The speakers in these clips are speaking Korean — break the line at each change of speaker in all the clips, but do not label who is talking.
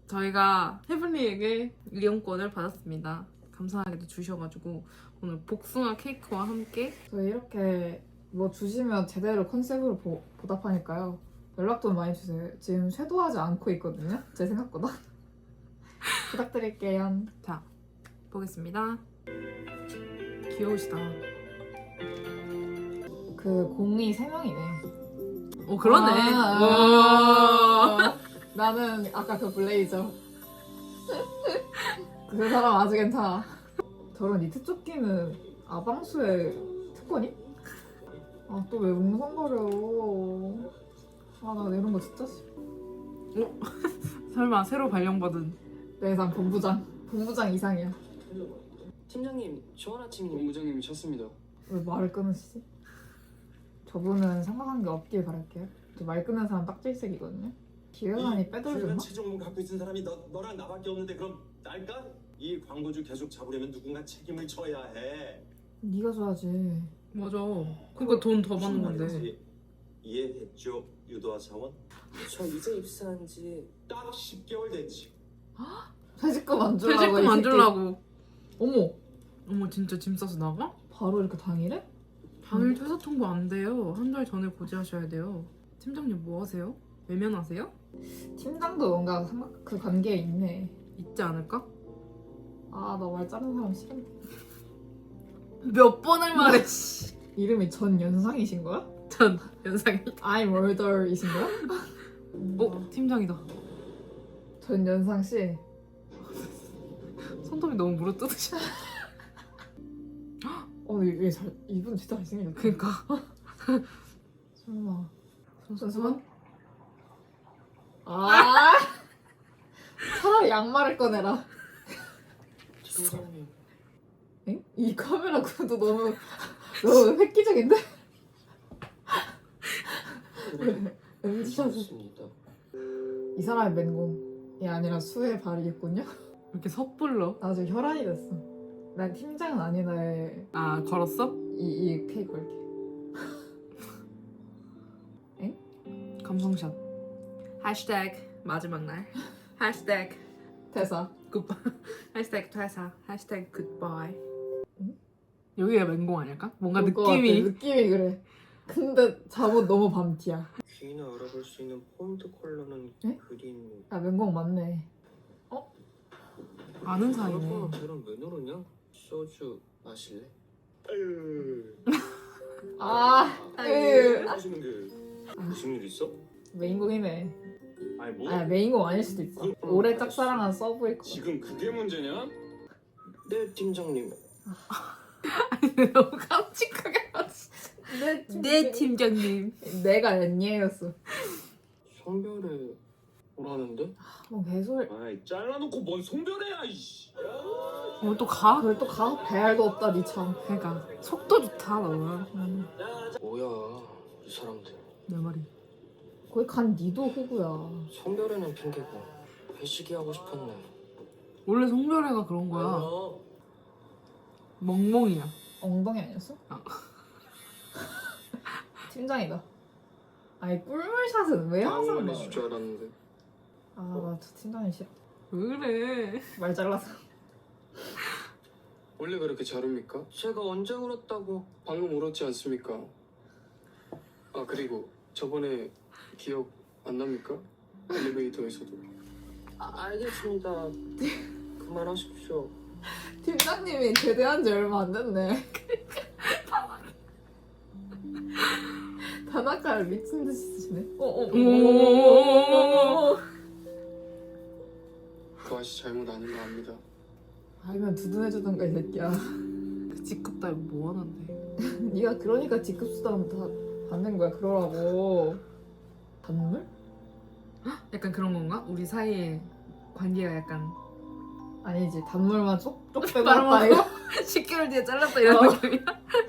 저희가 헤블리에게 이용권을 받았습니다. 감사하게도 주셔가지고 오늘 복숭아 케이크와 함께
저희 이렇게 뭐 주시면 제대로 컨셉으로 보답하니까요. 연락 좀 많이 주세요. 지금 쇄도하지 않고 있거든요. 제 생각보다. 부탁드릴게요.
자 보겠습니다. 귀여우시다.
그 공이 3명이네.
오 그러네. 와.
나는 아까 그 블레이저. 그 사람 아주 괜찮아. 저런 니트 조끼는 아방수의 특권이? 아 또 왜 웅성거려. 아 나 이런 거 진짜 싫어.
설마 새로 발령받은
내상 본부장 이상이야.
팀장님, 좋은 아침. 본부장님이 쳤습니다.
왜 말을 끊으시지? 저분은 생각한 게 없길 바랄게요. 저 말 끊는 사람 딱질색이거든요. 기획안이 빼돌렸나?
최종문 갖고 있는 사람이 너랑 나밖에 없는데 그럼 날까? 이 광고주 계속 잡으려면 누군가 책임을 져야 해.
네가 줘야지.
맞아. 그러니까 돈 더 받는
무슨
건데.
말인지 이해했죠, 유도화 사원?
저 이제 입사한 지
딱 10개월 됐지.
퇴직금 안 주려고.
퇴직금
이
안
새끼.
주려고.
어머,
어머 진짜 짐 싸서 나가?
바로 이렇게 당일에?
당일 퇴사 통보 안 돼요. 한 달 전에 고지하셔야 돼요. 팀장님 뭐 하세요? 외면하세요?
팀장도 뭔가 그 관계에 있네.
있지 않을까?
아, 나 말 자르는 사람 싫은데.
몇 번을 말해.
이름이 전연상이신 거야?
전 연상이.
I'm murder이신 거야?
팀장이다.
전연상 씨.
손톱이 너무 물어뜯으셔.
이분 진짜 잘생겼다.
그니까.
설마.
손수건?
손수건? 아! 차라리 양말을 꺼내라.
팀장님.
엥? 이 카메라 구도 너무 획기적인데? MZ샷을.
좋습니다.
이 사람의 맹공이 아니라 수의 발이겠군요?
이렇게 섣불러.
나 지금 혈안이 됐어. 난 팀장은 아니다에
아 걸었어?
이 케이크 걸게.
감성샷. 해시태그 마지막 날. 해시태그
대사.
굿바이. 해시태그 퇴사. 해시태그 굿바이.
응?
여기가 맹공 아닐까? 뭔가
그럴 것 같아.
느낌이.
느낌이 그래. 근데 잠옷 너무 밤티야.
귀나 알아볼 수 있는 폰트 컬러는
네?
그린.
야 맹공 맞네.
아는 사이네.
걔랑 왜 노느냐? 소주 마실래?
하시는 게 무슨 일 있어?
메인공이네.
아니 뭐?
아 메인공 아닐 수도 있어. 오래 짝사랑한 서브일 거.
지금 그게 문제냐?
네, 팀장님.
너무 깜찍하게 봤어. 네 팀장님.
내가 엔니에였어.
성별에 오라는데?
뭐 개소리.
아이 잘라놓고 뭔 송별해야 이씨.
또 가?
그걸 또 가서 배알도 없다 니 참.
그러니까 속도 좋다 너는.
뭐야, 이 사람들.
내 말이.
거기 간 니도 호구야.
성별에는 핑계고 회식이 하고 싶었네.
원래 성별애가 그런 거야. 멍멍이야.
엉덩이 아니었어?
아.
팀장이다. 아니 꿀물샷은 왜 항상
다음에
넣어?
해줄 줄 알았는데.
아나 저 팀장이 싫어.
왜 그래?
말 잘라서.
원래 그렇게 잘 웁니까? 제가 언제 울었다고? 방금 울었지 않습니까? 아 그리고 저번에 기억 안 납니까? 엘리베이터에서도. 알겠습니다. 그만하십시오.
팀장님이 제대한 지 얼마 안 됐네. 다나카를 미친 듯이 쓰시네.
오.
그 아저씨 잘못 아닌 거 압니다.
알면 두둔해주던가 이 새끼야.
그 직급 따위 뭐 하는데?
네가 그러니까 직급수당 다 받는 거야. 그러라고. 단물?
약간 그런 건가? 우리 사이에 관계가 약간
아니지 단물만 쪽쪽 빼고
말아먹고
왔다 이거.
10개월 뒤에 잘랐다 이런
어.
느낌이야?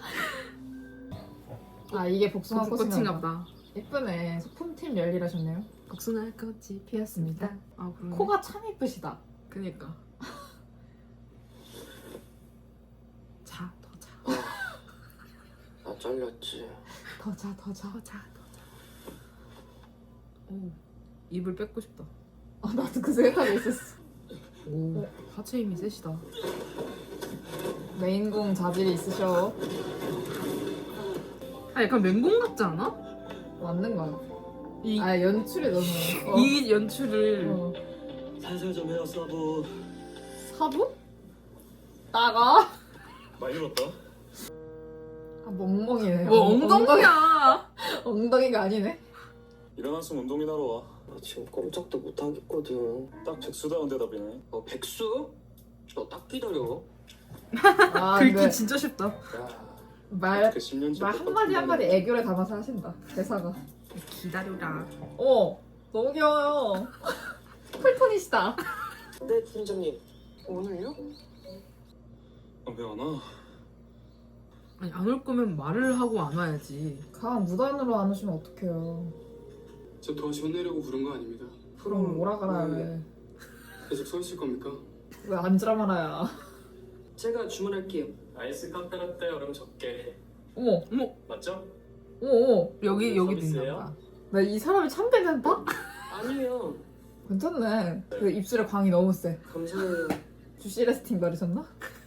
아 이게 복숭아
꽃인가
꽃인가
보다.
예쁘네. 소품팀 열일하셨네요.
복숭아 꽃이 피었습니다. 아 그러네.
코가 참 예쁘시다.
그니까. 자, 더 자.
나 잘렸지.
더 자, 더 자.
더 자, 더 자. 오, 입을 뺏고 싶다.
아 나도 그 생각이 있었어.
오 하체 힘이 세시다.
메인공 자질이 있으셔.
아 약간 맹공 같지 않아?
맞는 거야.
이,
아 연출이 너무.
이 연출을
어.
살살 좀 해요 서브.
사부? 나가.
많이 늘었다.
아 멍멍이네.
뭐 엉덩이야.
엉덩이가 아니네.
일어났으면 운동이나 하러 와.
나 지금 꼼짝도 못 하겠거든.
딱 백수다운 대답이네.
백수? 너 딱 기다려.
아
긁기
근데
진짜 쉽다.
야,
말
그 10년째
말 한마디 한마디 애교를 담아서 하신다. 대사가.
기다려라.
너무 귀여워요. 쿨톤이시다.
네, 팀장님. 오늘요?
왜안 와?
아니 안 올 거면 말을 하고 안 와야지.
가 무단으로 안 오시면 어떡해요.
저 도와시 혼내려고 부른 거 아닙니다.
그럼 오라가라 왜.
계속 서 있을 겁니까?
왜 앉으라 말아야.
제가 주문할게요.
아이스 카페라떼 얼음 적게.
어머
맞죠?
어머.
여기도
서비스예요?
있나 봐.
나 이 사람이 참 괜찮다?
아니요.
괜찮네. 그 입술에 광이 너무 세.
감사해요.
주시 레스팅 바르셨나?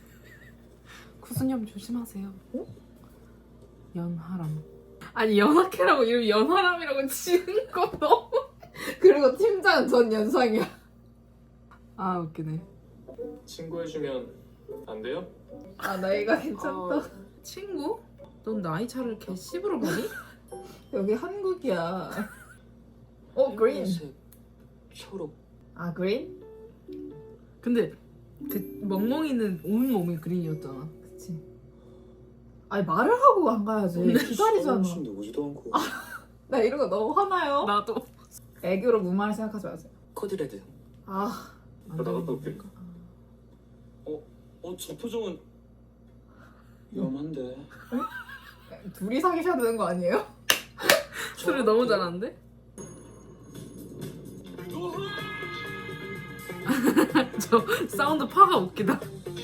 구순염 조심하세요.
어?
연하람. 아니 연하케라고 이름 연하람이라고 지은 거 너무.
그리고 팀장은 전 연상이야.
아 웃기네.
친구 해주면 안 돼요?
아 나이가 괜찮다.
친구? 넌 나이 차를 개 씹으러 보니?
여기 한국이야. 그린.
흰색, 초록.
아 그린?
근데 그 멍멍이는 온 몸이 그린이었잖아.
그치. 아니 말을 하고 안 가야지. 기다리잖아.
무슨 누구지도 않고.
나 이런 거 너무 화나요.
나도.
애교로 무말 생각하지 마세요.
코드레드.
아
안
나갔다
되겠다.
올게. 저 표정은 위험한데.
둘이 사귀셔야 되는 거 아니에요?
술을 너무 잘하는데? 저 사운드 파가 웃기다.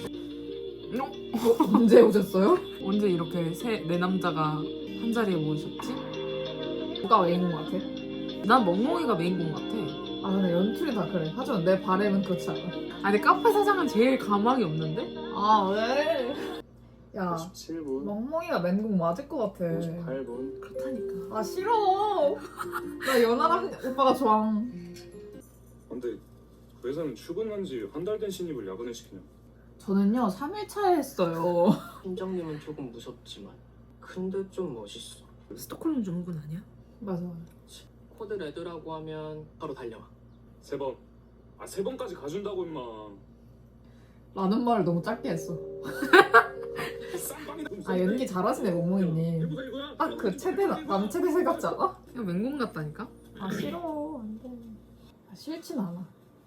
언제 오셨어요?
언제 이렇게 내 남자가 한 자리에 모이셨지?
누가 메인인 것 같아?
난 멍멍이가 메인공 같아.
아 근데 연출이 다 그래. 하지만 내 바램은 그렇지 않아.
아니 카페 사장은 제일 가망이 없는데?
아 왜? 야
57분.
멍멍이가 맨공 맞을 것 같아.
58분.
그렇다니까.
아 싫어. 나 연하람 오빠가 좋아.
근데 그 회사는 출근한 지 한 달 된 신입을 야근을 시키냐?
저는요 3일차에 했어요.
팀장님은 조금 무섭지만 근데 좀 멋있어.
스톡홀름 증후군 아니야?
맞아.
코드레드라고 하면 바로 달려와.
3번. 3번까지 가준다고 임마.
라는 말을 너무 짧게 했어. 아 연기 잘하시네 멍멍이님. 딱 그 최대 남체대생 같지 않아?
이거 맹공 같다니까?
아 싫어 안돼. 아, 싫진 않아.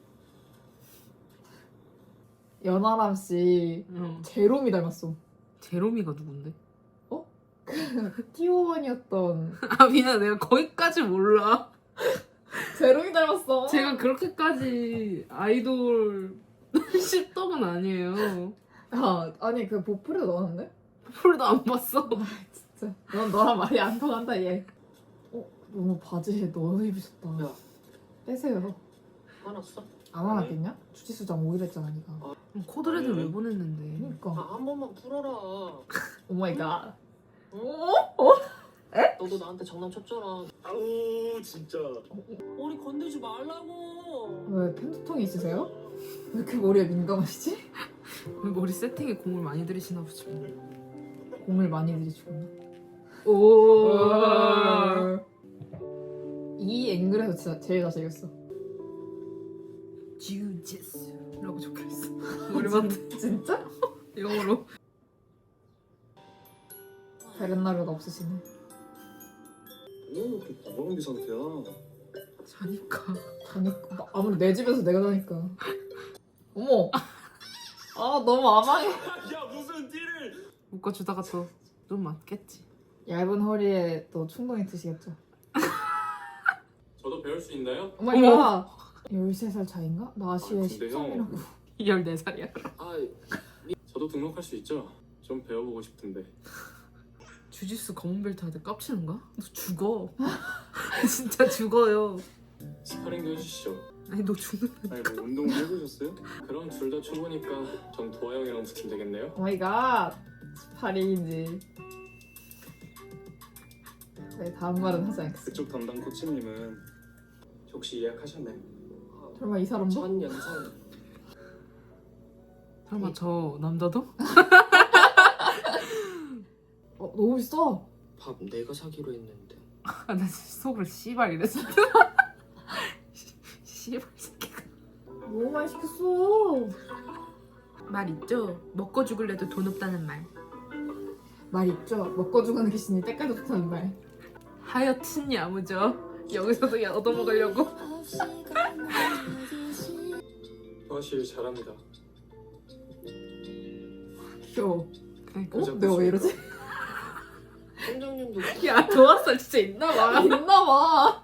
연하람 씨
응.
제롬이 닮았어.
제롬이가 누군데?
T1이었던
아 미안 내가 거기까지 몰라.
제롬이 닮았어.
제가 그렇게까지 아이돌 씹덕은 아니에요.
야 아니 그 보풀에도 넣었는데?
풀도 안 봤어.
진짜 넌 너랑 말이 안 통한다 얘. 너무 바지에 너무 입으셨다.
야.
빼세요.
화났어?
안 화났겠냐? 주짓수장 5일 했잖아 니가.
코드레드 왜 보냈는데?
그니까
한 번만 풀어라.
오마이갓.
너도 나한테 장난쳤잖아.
아우 진짜.
머리 건들지 말라고.
왜 팬두통이 있으세요? 왜 이렇게 머리에 민감하시지?
머리 세팅에 공을 많이 들이시나 보지.
공을 많이 들이시구나.
오.
이 앵글에서 진짜 제일 잘생겼어.
주짓수라고 적혀있어. 머리만
진짜?
영어로.
베렌나르가 없으시네.
왜 이렇게 구멍비 상태야?
자니까.
자니까 아무리 내 집에서 내가 자니까. 어머. 아 너무 아망해.
야 무슨 띠를?
묶어주다가 또 좀 맞겠지.
얇은 허리에 또 충동이 드시겠죠.
저도 배울 수 있나요?
어머니가 13살 차인가? 나 아시에
근데
13이라고.
14살이야.
아,
저도 등록할 수 있죠? 좀 배워보고 싶은데.
주짓수 검은 벨트 할 때 깝치는 거야? 너 죽어. 진짜 죽어요.
스파링도 해주시죠.
아니 너 죽는
아니 뭐 운동 해보셨어요? 그럼 둘 다 초보니까 전 도화 형이랑 붙으면 되겠네요?
오 마이 갓. 18일인지. 네, 다음 말은 하지 않겠습니다.
그쪽 담당 코치님은
혹시 예약하셨나요?
설마 이 사람도?
전 영상
설마 저 남자도?
너무 비싸.
밥 내가 사기로 했는데.
아, 나 진짜 속으로 씨발 이랬어. 씨발 새끼가.
너무 많이 시켰어.
말 있죠? 먹고 죽을래도 돈 없다는 말.
말 있죠? 먹고 죽는 귀신이 때깔도 좋다는 말.
하여튼 야무져. 여기서도 얻어먹으려고.
도화 씨 잘합니다.
귀여워.
그러니까.
내가 왜 이러지?
팀장님도
야 도화살 진짜 있나봐.
있나봐.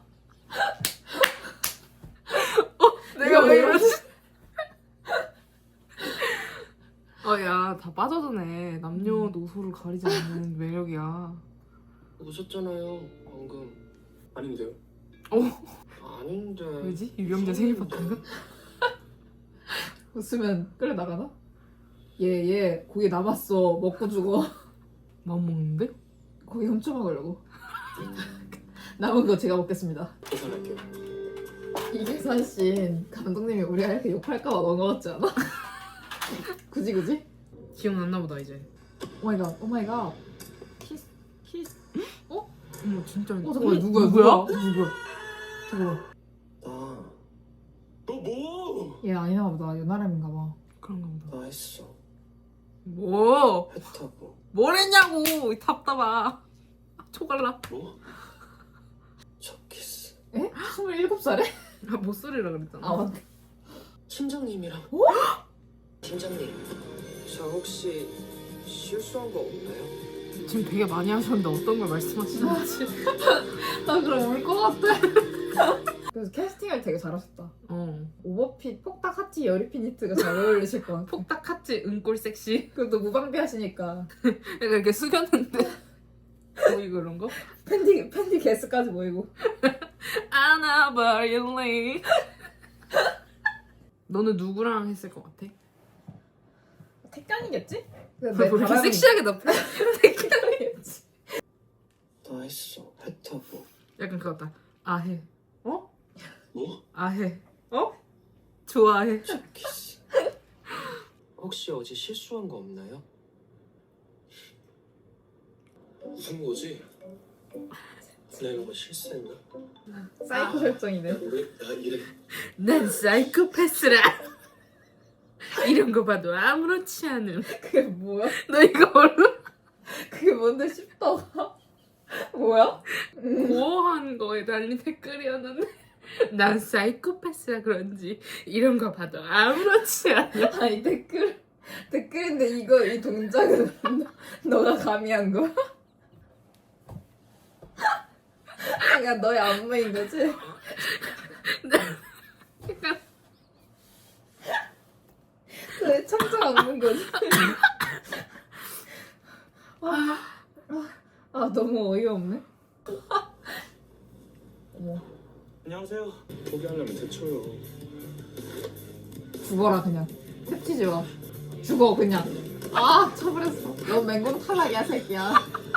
내가 왜 이러지? 야 다 빠져드네. 남녀노소를 가리지 않는 매력이야.
웃었잖아요 방금.
아닌데요?
아닌데.
왜지? 유경재 생일 파티인가?
웃으면 끌려 나가나? 얘 고기 남았어. 먹고 죽어.
맘 먹는데?
고기 훔쳐 먹으려고. 남은 거 제가 먹겠습니다.
계산할게요.
이 계산씬 감독님이 우리가 이렇게 욕할까봐 넣은 거 같지 않아? 굳이?
기억났나 보다 이제.
오마이갓 오마이갓. 키스.
어머 진짜.
잠깐만
누구야?
잠깐만.
너 뭐?
얘 아니나 보다. 연하람인가 봐.
그런가 보다.
나 했어.
뭐?
배 타고.
뭘 했냐고 이 답답아. 초갈라.
뭐? 첫 키스.
에? 27살에?
아 못소리라 그랬잖아.
아 맞네.
팀장님이랑. 팀장님, 저 혹시 실수한 거 없나요?
지금 되게 많이 하셨는데 어떤 걸 말씀하시는지.
나 그럼 울 것 같아. 그래서 캐스팅을 되게 잘하셨다. 오버핏, 폭닥 하치, 여리핀 니트가 잘 어울리실 것 같아.
폭닥 하치 은골 섹시.
그리고 또 무방비 하시니까
약간 이렇게 숙였는데 보이고 그런 거?
팬티 개수까지 보이고.
아나바릴리. 너는 누구랑 했을 것 같아?
택견이겠지?
왜 이렇게 섹시하게 나
택견이겠지.
나 했어. 배 타고.
약간 그거 같다. 아해. 어?
뭐?
아해. 어? 좋아해.
첫 키스. 혹시 어제 실수한 거 없나요? 무슨 거지? 내가 뭐 실수했나?
사이코 설정이네.
왜 나 이래?
난 사이코패스라. 이런 거 봐도 아무렇지 않음.
그게 뭐야?
너 이거 몰라?
그게 뭔데 싶다가 뭐야?
고어한 거에 달린 댓글이었는데 난 사이코패스라 그런지 이런 거 봐도 아무렇지 않아.
아니 댓글인데 이 동작은 너가 감히 한 거야? 그러니까 너의 안무인 거지?
약간
너의 창작 안무인 거지? 너무 어이없네. 어머,
안녕하세요.
포기하려면 대쳐요.
죽어라 그냥. 탭치지 마. 죽어 그냥. 쳐버렸어. 너 맹공 탈락이야 새끼야.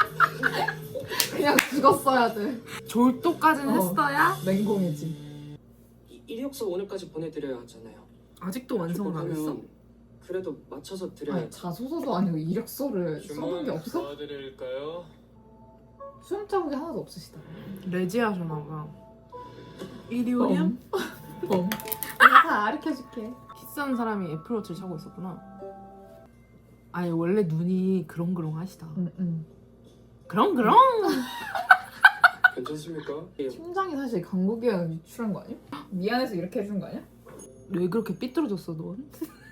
그냥 죽었어야 돼.
졸도까지는 했어야?
맹공이지.
이력서 오늘까지 보내드려야 하잖아요.
아직도 완성을 안 했어?
그러면 그래도 맞춰서 드려야.
아니 자소서도 아니고 이력서를 써본 게 없어?
도와드릴까요?
수험 자국이 하나도 없으시다.
레지 하셔나봐. 이리 오렴?
내가 다 가르쳐줄게.
키스한 사람이 애플워치를 차고 있었구나. 아니 원래 눈이 그렁그렁 하시다.
응.
그렁그렁?
괜찮습니까?
팀장이 사실 강국이랑 유출한 거 아니야? 미안해서 이렇게 해준 거 아니야?
왜 그렇게 삐뚤어졌어 넌?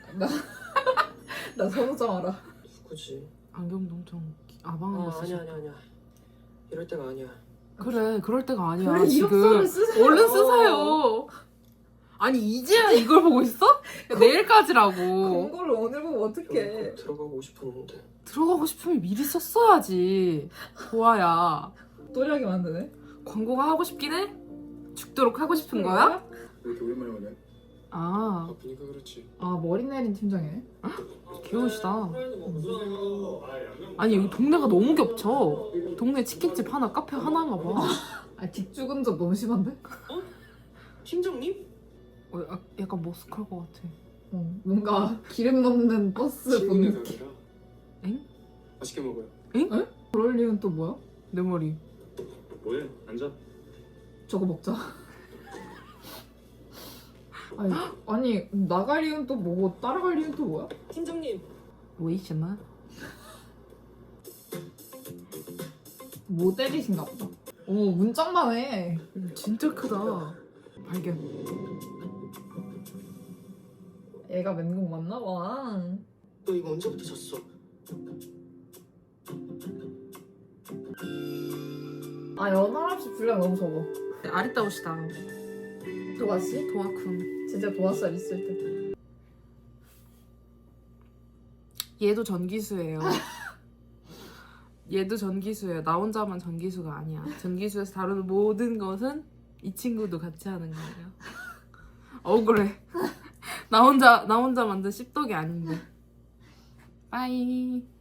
나 선우정 알아.
누구지?
안경도 엄청 아방한 거 쓰시.
아니야. 이럴 때가 아니야.
그래 그럴 때가 아니야
그래,
지금.
이력서를 쓰세요.
얼른 쓰세요. 아니 이제야 이걸 보고 있어? 야, 내일까지라고.
공고를 오늘 보면
꼭
어떡해.
들어가고 싶었는데.
들어가고 싶으면 미리 썼어야지. 보아야.
또리하게 만드네.
광고가 하고 싶긴 해? 죽도록 하고 싶은 거야?
왜 이렇게 오랜만에 오냐?
아
바쁘니까 그렇지.
아 머리 내린 팀장이네.
귀여우시다. 아니 여기 동네가 너무 겹쳐. 동네 치킨집 하나, 카페 하나인가 봐.
아 뒷죽은 적 너무 심한데?
팀장님?
약간 머스크할 것 같아.
뭔가 기름 넣는 버스 본
친구네
느낌.
가게라.
엥?
맛있게 먹어요.
그럴 이유는 또 뭐야?
내 머리.
뭐해? 앉아.
저거 먹자. 아니 나갈 이유는 또 뭐고 따라갈 이유는 또 뭐야?
팀장님.
为什么?
모델이신가 보다. 어머 문짝만 해.
진짜 크다. 발견.
얘가 맹공 맞나 봐.
너 이거 언제부터 샀어?
아 연하랍시 분량 너무 적어.
아리따우시다.
도아씨?
도아쿤.
진짜 도아살 있을 때.
얘도 전기수예요. 얘도 전기수예요. 나 혼자만 전기수가 아니야. 전기수에서 다루는 모든 것은 이 친구도 같이 하는 거예요. 억울해. 나 혼자 만든 씹덕이 아닌데. 빠이.